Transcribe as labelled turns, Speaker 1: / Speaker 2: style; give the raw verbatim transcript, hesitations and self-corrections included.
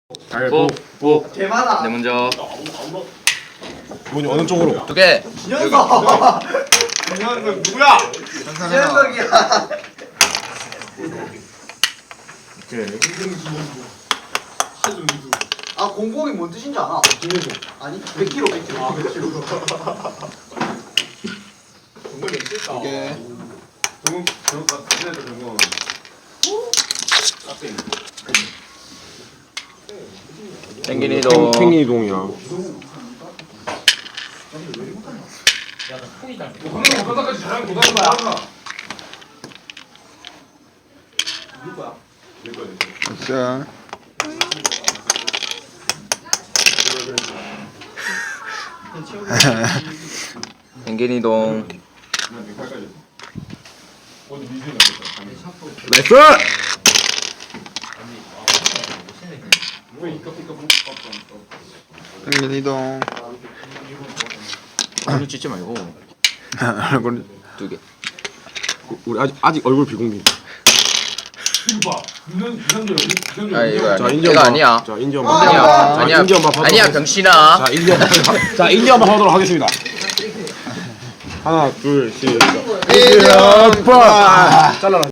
Speaker 1: 보, 보.
Speaker 2: 개많아.
Speaker 1: 내 먼저.
Speaker 3: 뭐니 어느 쪽으로?
Speaker 1: 두 개.
Speaker 2: 진현석.
Speaker 3: 진현석 누구야?
Speaker 2: 진현석이야. 아 공공이 뭔 뜻인지 알아?
Speaker 3: 김혜수.
Speaker 2: 아니 백 킬로그램 백 킬로그램.
Speaker 3: 아, 백 킬로그램. 정말 멋있다.
Speaker 1: 오케이.
Speaker 3: 정국 정국 같은 애들 정국. 앞에 있는.
Speaker 1: 펭귄이동.
Speaker 3: 팽이동이야. 방금 바닥까지 잘하는 고등학교 나왔나? 누구야? 내 거야.
Speaker 4: 자,
Speaker 1: 펭귄이동.
Speaker 4: 나이스! 펭귄 이동.
Speaker 1: 얼굴 찢지 말고.
Speaker 4: 얼굴.
Speaker 1: 두 개.
Speaker 3: 우리 아직 아직 얼굴 비공개. 이거 봐. 유선 유선조 유선조.
Speaker 1: 아 이거
Speaker 3: 자,
Speaker 1: 아니,
Speaker 3: 인지
Speaker 1: 이거
Speaker 3: 엄마.
Speaker 1: 아니야.
Speaker 3: 자, 인지
Speaker 2: 아,
Speaker 3: 엄마.
Speaker 1: 아니야.
Speaker 3: 자,
Speaker 1: 아니야.
Speaker 3: 인지 엄마 받도록
Speaker 1: 아니야
Speaker 3: 하겠-
Speaker 1: 병신아.
Speaker 3: 자, 인지 엄마. 자, 인지 엄마 하도록 하겠습니다. 하나, 둘, 셋.
Speaker 4: 이동.
Speaker 3: 잘라라.